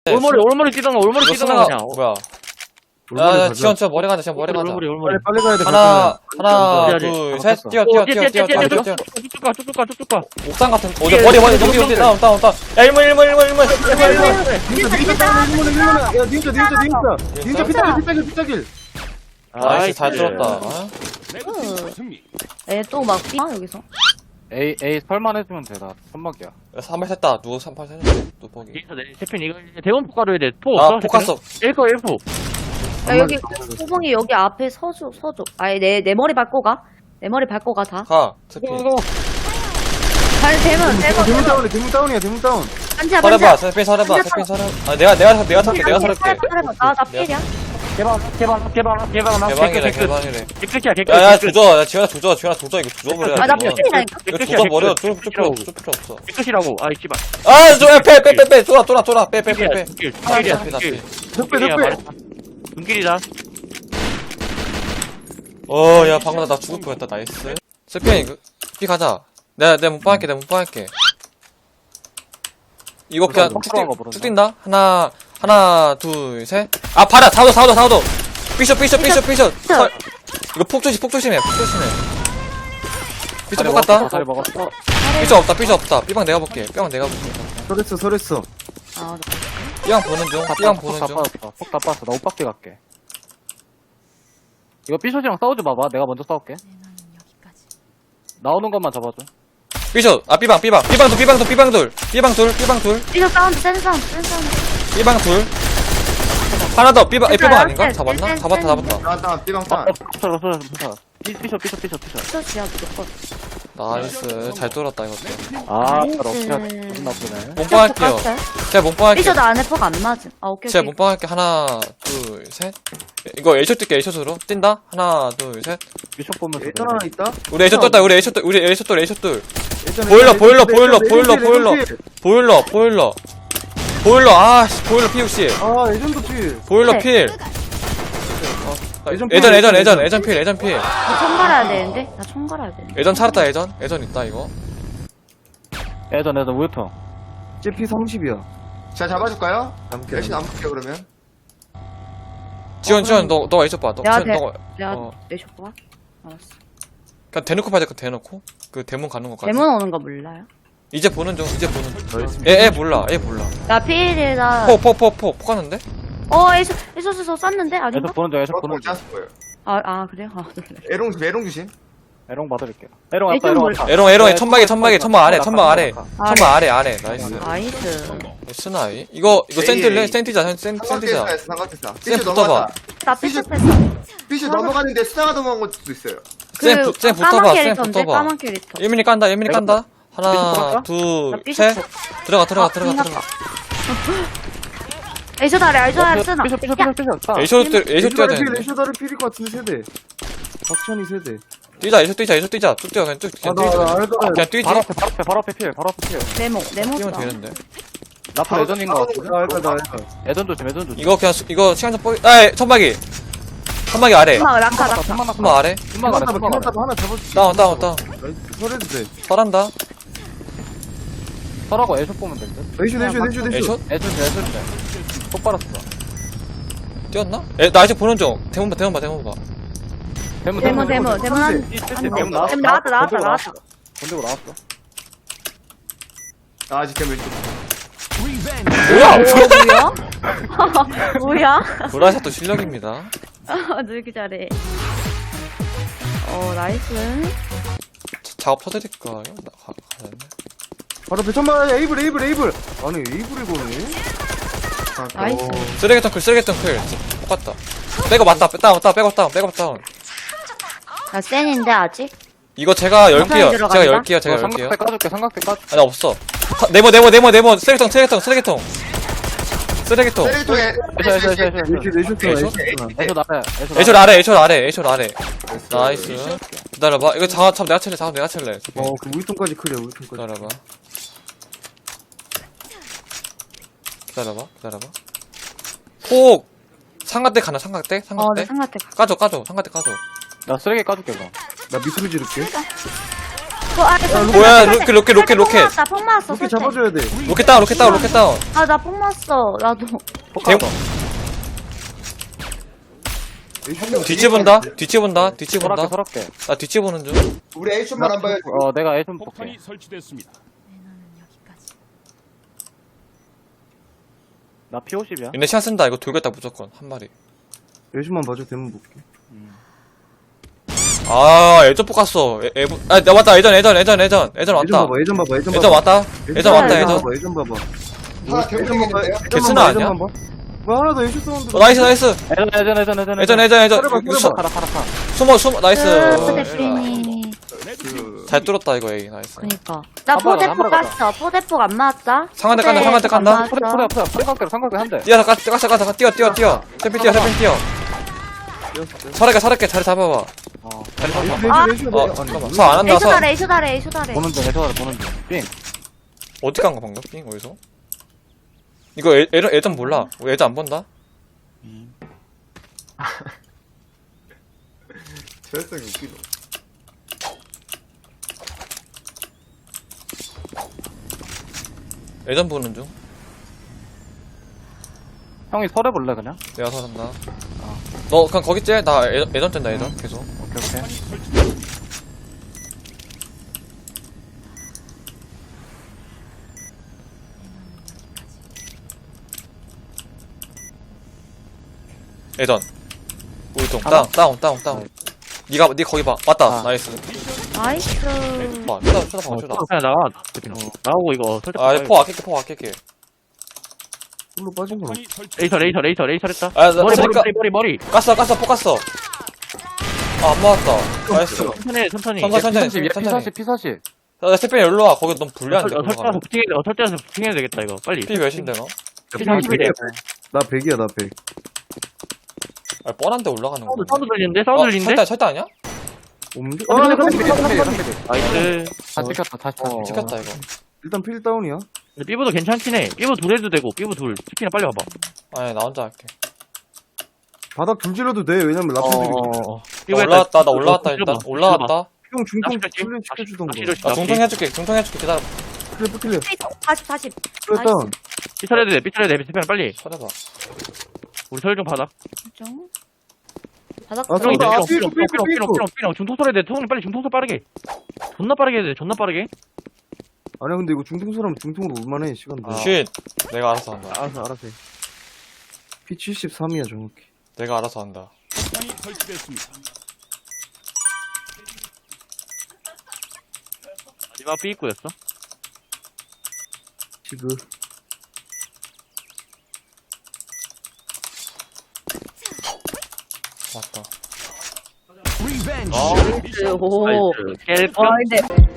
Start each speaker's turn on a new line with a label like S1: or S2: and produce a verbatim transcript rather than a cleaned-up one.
S1: 올머리 올머리 뛰던가 올머리
S2: 이거
S1: 뛰던가
S2: 스나가
S1: 그냥.
S2: 뭐야?
S3: 올머리
S2: 야,
S3: 가자.
S2: 지원, 지원, 머리 가자, 지원, 머리 가자.
S1: 올머리 올머리.
S3: 빨리 빨리 가야 돼.
S2: 하나, 하나,
S1: 가자.
S2: 둘,
S1: 아,
S2: 셋,
S3: 갔어.
S2: 뛰어,
S1: 어,
S2: 뛰어,
S1: 뛰어,
S2: 뛰어, 뛰어,
S1: 뛰어,
S2: 뛰어,
S1: 뛰어,
S2: 뛰어.
S1: 쭉쭉 가, 쭉쭉 가, 쭉쭉 가.
S2: 옥상 같은, 어디,
S1: 뛰어,
S2: 머리,
S1: 뛰어,
S2: 머리,
S1: 뛰어,
S2: 넘기,
S1: 뛰어,
S2: 넘기,
S1: 뛰어.
S2: 다운, 다운, 다운. 야, 일문, 일문, 일문, 일문.
S3: 닌자 닌자 다운 일문에 일문에. 야 닌자 닌자 닌자. 닌자 피타길 피타길 피타길.
S2: 나이스, 잘 들었다. 어?
S4: 애또막 아, 여기서.
S5: A, A 설만 해주면 돼. 나 선박이야.
S2: 삼발 샜다. 누구 삼발 샜는데? 또 보기.
S1: 여기서 내 대표님 이거 이제 대원 포 가려야 돼. 포
S2: 아,
S1: 없어?
S2: 포카스.
S1: 일포 일포.
S4: 야, 여기 호봉이 여기 앞에 서줘, 서줘. 아예 내, 내 머리 밟고 가. 내 머리 밟고 가, 다.
S2: 가, 스피.
S4: 발 대문, 대문,
S3: 대문
S4: 대문.
S3: 다운이야 대문 다운이야 대문 다운.
S4: 반지야,
S2: 서려봐,
S4: 반지야.
S2: 스피 서려봐, 스피 서려. 아, 내가, 내가, 내가 살게, 내가 살게.
S4: 나, 나 필이야.
S1: 개방 개방 개방 개방 나
S2: 개방이래, 개방이래.
S1: 개끝이야 개끝.
S2: 야, 야, 조져. 야, 지현아, 조져. 지현아, 조져. 이거 조져버려.
S4: 아, 나
S2: 이거.
S4: 필이라니까.
S2: 이거 조져버려. 쫄, 쫄 필요 없어. 쫄 필요 없어.
S1: 개끝이라고. 아이 씨발.
S2: 아, 저, 야, 빼, 빼, 빼, 빼. 쫄아, 쫄아, 쫄아. 빼, 빼, 빼, 빼.
S1: 길.
S2: 아,
S1: 길이야.
S2: 나, 나,
S1: 길.
S3: 덕배
S1: 길이야,
S3: 덕배.
S1: 말했다. 눈길이다.
S2: 어, 야, 방금 나 죽을 뻔했다. 나이스. 스피언, 이거, 피 가자. 내가, 내가 문방 할게, 내가 문방 할게. 이거 그냥 쭉,
S5: 뻥뻥한 거
S2: 뛴-
S5: 모른다.
S2: 쭉 뛴다? 하나, 하나, 둘, 셋. 아, 봐라! 사오도, 사오도, 사오도! 삐셔, 삐셔, 삐셔, 삐셔! 설- 이거 폭 조심, 폭 조심해, 폭 조심해. 삐셔 똑같다?
S5: 다리 먹었어.
S2: 삐셔 없다, 삐셔 없다. 삐방 내가 볼게, 삐방 내가 볼게.
S3: 설했어 설했어.
S4: 아,
S2: 삐방 보는 중, 삐방 보는
S5: 다
S2: 중.
S5: 빠졌다. 폭다 빠졌어. 나 옷 밖에 갈게. 이거 삐쇼지랑 싸우지 마봐. 내가 먼저 싸울게. 나오는 것만 잡아줘.
S2: 삐셔, 아, 삐방, 삐방. 삐방 둘, 삐방 둘, 삐방 둘. 삐방 둘, 삐방 둘.
S4: 이거 사운드, 센 사운드, 센 사운드.
S2: 삐방 둘. 하나 더, 삐방, 에, 삐방 아닌가?
S4: 네,
S2: 잡았나?
S4: 네,
S2: 잡았다,
S4: 네.
S2: 잡았다.
S3: 다운 다운 삐방
S5: 어,
S3: 다운.
S5: 어, 붙어, 붙어, 붙어. 삐- 삐쇼, 삐쇼, 삐쇼, 삐쇼.
S4: 스터치야, 무조건.
S2: 나이스. 잘 뚫었다, 이것도.
S5: 아,
S4: 나이스.
S5: 잘 없냐. 기분 나쁘네.
S2: 몸빵 할게요. 제가 몸빵 할게요.
S4: 삐셔도 안에 폭 안 맞음. 아, 오케이,
S2: 제가
S4: 오케이.
S2: 몸빵 할게. 하나, 둘, 셋. 이거 A쇼 뛸게, A쇼으로. 뛴다? 하나, 둘, 셋.
S5: 삐쇼 보면서.
S3: 예전 하나 있다.
S2: 우리 A쇼 떴다, 우리 A쇼 뜰, 우리 A쇼 뜰, A쇼 뜰.
S3: 예전에
S2: 보일러,
S3: 예전에
S2: 보일러,
S3: 예전에
S2: 보일러,
S3: 예전에
S2: 보일러,
S3: 예전에
S2: 보일러.
S3: 예전에
S2: 보일러, 보일러. 보일러, 아, 씨, 보일러 피육씨.
S3: 아 예전도 필.
S2: 보일러
S4: 네.
S2: 필. 어,
S3: 예전
S2: 예전,
S3: 필,
S2: 예전,
S3: 예전,
S2: 예전, 예전 필, 예전 필.
S4: 나 총 갈아야 되는데? 나 총 갈아야 되는데.
S2: 예전 살았다, 예전. 예전 있다, 이거.
S5: 애전, 애전, 우유통.
S3: 제피 삼십이야.
S6: 자, 잡아줄까요?
S3: 남게.
S6: 열심히 안 볼게요, 그러면.
S2: 지원, 지원, 너, 너가 A쇼 봐. 너,
S4: 내가
S2: 지원,
S4: 대-
S2: 너가,
S4: 내가
S2: 어.
S4: 내 쇼파? 알았어.
S2: 그냥 대놓고 봐야 될 거 대놓고. 그 대문 가는 거까지.
S4: 대문 오는 거 몰라요?
S2: 이제 보는 중, 이제 보는 중. 애, 애 몰라, 애 몰라.
S4: 나 피일이라.
S2: 포, 포, 포, 포, 포 가는데?
S4: 어, 에이소, 에이소스서 쐈는데?
S5: 애전
S4: 아닌가?
S5: 보는 중, 애전
S6: 저거
S5: 보는 중.
S6: 짰을 거예요.
S4: 아, 아, 그래요? 아, 놀래.
S6: 에롱, 에롱 주심.
S5: 에롱 받을게요. 에롱 왔다,
S4: 애전
S5: 에롱
S4: 몰라.
S5: 왔다.
S2: 에롱, 에롱에
S5: 네,
S2: 천막에, 천막에, 천막 아래,
S5: 천막
S2: 천막 아래.
S5: 아래.
S2: 천막 아래, 아래. 나이스.
S4: 나이스.
S2: 스나이? 이거, 이거
S6: 에이,
S2: 센틸래?
S6: 에이.
S2: 센티자, 센, 센, 센티자.
S6: 삼각대에서 삼각대에서.
S2: 쌤
S6: 삐슈
S2: 붙어봐.
S6: 넘어갔다.
S4: 나
S6: 삐쇼.
S4: 삐끗했어.
S6: 삐슈 넘어가는데 스나가 넘어간 것도 있어요.
S2: 쌤, 부- 쌤 붙어봐,
S4: 까만
S2: 쌤
S4: 캐릭터인데?
S2: 붙어봐.
S4: 까만 캐릭터.
S2: 일민이 깐다, 일민이 깐다. 하나,
S5: 삐죽
S2: 둘,
S4: 나 삐죽
S2: 셋.
S4: 쳐.
S2: 들어가, 들어가,
S4: 아,
S2: 들어가,
S4: 끝났다.
S2: 들어가.
S4: 에이소 다리, 에이소 다리 쓰나?
S5: 삐쇼, 삐쇼, 삐쇼, 삐쇼. 싸.
S2: 에이쇼 들, 에이쇼 뛰어야
S3: 필
S2: 되는데.
S3: 레쇼다를 필일 것 같은데 세대. 박천이 세대.
S2: 뛰자, 에이쇼 뛰자, 에이쇼 뛰자. 쭉 뛰어, 그냥 쭉, 그냥
S3: 아나
S2: 뛰자.
S3: 나 알다.
S2: 그냥 뛰지.
S5: 바로 앞에, 바로 앞에, 바로 앞에 필, 바로 앞에 필.
S4: 네모, 네모
S2: 뛰면
S4: 써.
S2: 되는데.
S5: 나파 애전인 거 같은데?
S3: 나 알다 나 알다.
S5: 애전 조심, 애전 조심.
S2: 이거 그냥, 수- 이거 시간 좀 뻐, 아, 천막이. 천막이 아래.
S4: 엄마, 낙하, 낙하.
S5: 천막 낙하.
S2: 천막 아래.
S5: 천막 아래,
S3: 피만
S5: 천막 아래.
S3: 따봐 하나 잡아줄게.
S2: 다운, 다운, 다운.
S3: 나이스, 설해도 돼.
S2: 설한다.
S5: 설하고 애쇼 보면 될 듯.
S3: 레쇼 레쇼 레쇼 레쇼.
S2: 에이쇼?
S5: 애전 돼, 애전 돼. 속 빨았어.
S2: 뛰었나? 에, 나 아직 보는 중. 대문 봐, 대문 봐, 대문 봐.
S5: 대문,
S4: 대문, 대문, 대문 한.
S5: 이, 이, 이,
S4: 안 돼.
S5: 대문 나왔어.
S4: 대문 나왔다, 나왔다,
S5: 건들고
S4: 나왔다.
S5: 건들고 나왔어.
S6: 나 아직 대물 좀.
S2: 뭐야?
S4: 어, 뭐야? 뭐야?
S2: 보라샷도 실력입니다.
S4: 너 이렇게 잘해. 어, 나이스.
S2: 자- 작업 터뜨릴까요? 나 가, 가야겠네.
S3: 바로 배천만 에이블 에이블 에이블. 아니 에이블을 거네.
S4: 나이스.
S2: 쓰레기통 클, 쓰레기통 클. 똑같다. 백업 맞다, 다운, 다운, 백업 다운, 백업 다운.
S4: 나 센인데, 아직?
S2: 이거 제가 열게요.
S4: 들어간다?
S2: 제가 열게요, 제가
S5: 어,
S2: 열게요.
S5: 삼각대 까줄게, 삼각대 까줄게.
S2: 아니, 없어. 사- 네모, 네모, 네모, 네모. 쓰레기통, 쓰레기통, 쓰레기통. 쓰레기통.
S6: 쓰레기통에.
S5: 애쇼, 애쇼, 애쇼, 애쇼.
S3: 레쇼 레쇼
S2: 에이쇼?
S5: 애쇼 나래, 애쇼
S2: 에이쇼 아래, 에이쇼 아래, 에이쇼 아래. 나이스. 기다려봐. 이거 자, 참 내가 칠래, 자, 내가 칠래.
S3: 어그 우유통까지 크래 우유통까지.
S2: 기다려봐. 기다려봐, 기다려봐. 폭! 삼각대 가나, 삼각대?
S4: 어, 나
S2: 삼각대?
S4: 상가대 가.
S2: 까줘, 까줘. 삼각대 까줘.
S5: 나 쓰레기 까줄게, 그럼.
S3: 나 밑으로 지를게.
S4: 그 안에
S2: 뭐야, 로켓, 로켓, 로켓, 로켓.
S4: 나폭 맞았어.
S3: 이렇게
S4: 설치.
S3: 잡아줘야 돼.
S2: 로켓 다운, 로켓 다운, 로켓 다운.
S4: 아, 나 폭 맞았어. 나도.
S2: 대... 뒤치 본다, 뒤치 본다, 뒤치 본다.
S5: 서럽게 서럽게.
S2: 나 뒤치 보는 중.
S6: 우리 A쇼만 안 봐요.
S5: 어 내가 애좀 볼게.
S7: 폭탄이 설치됐습니다.
S5: 나 피 오십이야.
S2: 얘네 시간 쓴다. 이거 돌겠다, 무조건. 한 마리.
S3: 열심만 봐줘, 대문 볼게.
S2: 아, 애전 뽑았어. 애, 애, 아, 나 왔다. 애전, 애전, 애전, 애전. 애전
S3: 예전
S2: 왔다.
S3: 봐봐, 예전 봐봐, 예전 봐봐.
S2: 애전 왔다. 애전 왔다, 애전.
S3: 봐봐, 예전 봐봐.
S6: 하나 대문에 있는데요?
S2: 개쓰나 아니야?
S3: 예전만 봐. 뭐 하나 더 예전 사운드.
S2: 어, 나이스, 나이스.
S5: 애전 애전 애전 애전
S2: 애전, 애전, 애전.
S3: 팔아봐,
S2: 이거 수-
S3: 팔아봐.
S5: 파라 파라 파라.
S2: 숨어, 숨어. 나이스.
S4: 으, 대표님.
S6: 그
S2: 잘 뚫었다, 이거, 에이. 나이스.
S4: 그니까. 나
S5: 한 번에,
S4: 포대폭
S5: 한 번에
S4: 갔어. 포대폭 안 맞았다.
S2: 상한대 깐다, 상한대
S4: 포대 안
S2: 깐다.
S4: 맞았어.
S5: 포대 포대 포대 삼각대로 삼각대 한 대.
S2: 뛰어, 가, 가, 가, 가, 뛰어, 뛰어, 뛰어. 샘핑 뛰어, 샘핑 뛰어. 서럽게, 서럽게 자리 잡아봐.
S5: 어.
S4: 아.
S3: 예전, 예전,
S2: 어,
S3: 예전.
S2: 잠깐만. 서 안 한다, 서.
S4: 에이쇼다래, 에이쇼다래, 에이쇼다래.
S5: 보는 중 애전 보는 중. 삥.
S2: 어디 간 거, 방금? 삥, 어디서? 이거 애, 애전, 애전 몰라. 애전 안 본다?
S6: 저혈성이 웃기노.
S2: 애전 보는 중.
S5: 형이 설해 볼래 그냥?
S2: 내가 서른다. 너 그냥 거기 째? 나 애, 애전 뗀다, 애전. 계속.
S5: 오케이 오케이.
S2: 애전. 우리통. 다운, 다운, 다운, 다운. 니가, 니 거기 봐. 왔다.
S5: 아.
S2: 나이스.
S4: 나이스.
S2: 봐, 쳐다, 쳐다 봐, 쳐다.
S1: 그냥 나와. 대표님. 나오고 이거 설정.
S2: 아, 포 아낄게, 포 아낄게.
S3: 풀로 빠진 거.
S7: 폭탄이 설치.
S1: 레이서 레이서 레이서 레이서 했다.
S2: 아, 나,
S1: 머리 머리
S2: 그러니까,
S1: 머리 머리 머리.
S2: 깠어, 깠어, 포 깠어. 아, 안 맞았다. 나이스.
S1: 천천히 해, 천천히.
S2: 천천히, 천천히,
S5: 피
S2: 천천히.
S5: 사십 피 사십.
S2: 야, 스페인 일로 와. 거기 너무 불리한데.
S1: 어,
S2: 그거
S1: 설정해서
S2: 가면.
S1: 부팅해, 어, 설정해서 부팅해야 되겠다 이거. 빨리.
S2: 피 몇인데, 너?
S1: 피 삼십이래.
S3: 나 백이야, 나 백.
S2: 아, 뻔한데 올라가는 거.
S1: 사운드 사운드 들리는데? 사운드 들리는데?
S2: 철다, 철다 아니야?
S3: 없는데?
S5: 어,
S3: 아,
S5: 삼
S3: 잠깐만.
S5: 피 삼 피 삼 피.
S1: 나이스.
S5: 다 찍혔다 다시 다시.
S3: 어.
S2: 찍혔다, 이거.
S3: 일단 필 다운이야.
S1: 삐부도 괜찮긴 해. 삐부 둘 해도 되고, 삐부 둘. 치킨이나 빨리 와봐.
S2: 아니, 나 혼자 할게.
S3: 바닥 둘 질러도 돼. 왜냐면 라프들이
S1: 어.
S2: 나 올라왔다, 나 올라왔다, 일단. 올라왔다.
S3: 형 중통
S1: 낚시
S3: 플레이 시켜주던가.
S1: 낚시
S2: 나 중통 해줄게, 중통 해줄게. 기다려.
S3: 클리프 클리어.
S4: 사십, 사십.
S3: 클리어 다운.
S1: 삐쳐야 돼, 삐쳐야 돼, 삐쳐야 빨리.
S2: 쳐내봐.
S1: 우리 설정 받아.
S4: 좀. 바닥
S3: 아,
S1: 삐롱,
S3: 삐롱,
S1: 삐롱,
S3: 삐롱,
S1: 삐롱, 삐롱,
S3: 삐롱,
S1: 삐롱, 삐롱. 중통소 해야 돼. 통이 빨리 중통소 빠르게. 존나 빠르게 해야 돼, 존나 빠르게.
S3: 아니야, 근데 이거 중통 사람 중통으로 올만해, 시간도.
S2: 아. 쉿. 내가 알아서 한다.
S1: 알았어, 알았어.
S3: 피 칠십삼이야, 정확히.
S2: 내가 알아서 한다.
S7: 폭탄이 설치됐습니다.
S1: 마지막 삐입구였어.
S3: 지금.
S2: 맞다.
S7: 리벤지.
S1: 어,
S4: 오.
S1: 나이스. 깰까?
S4: 와, 근데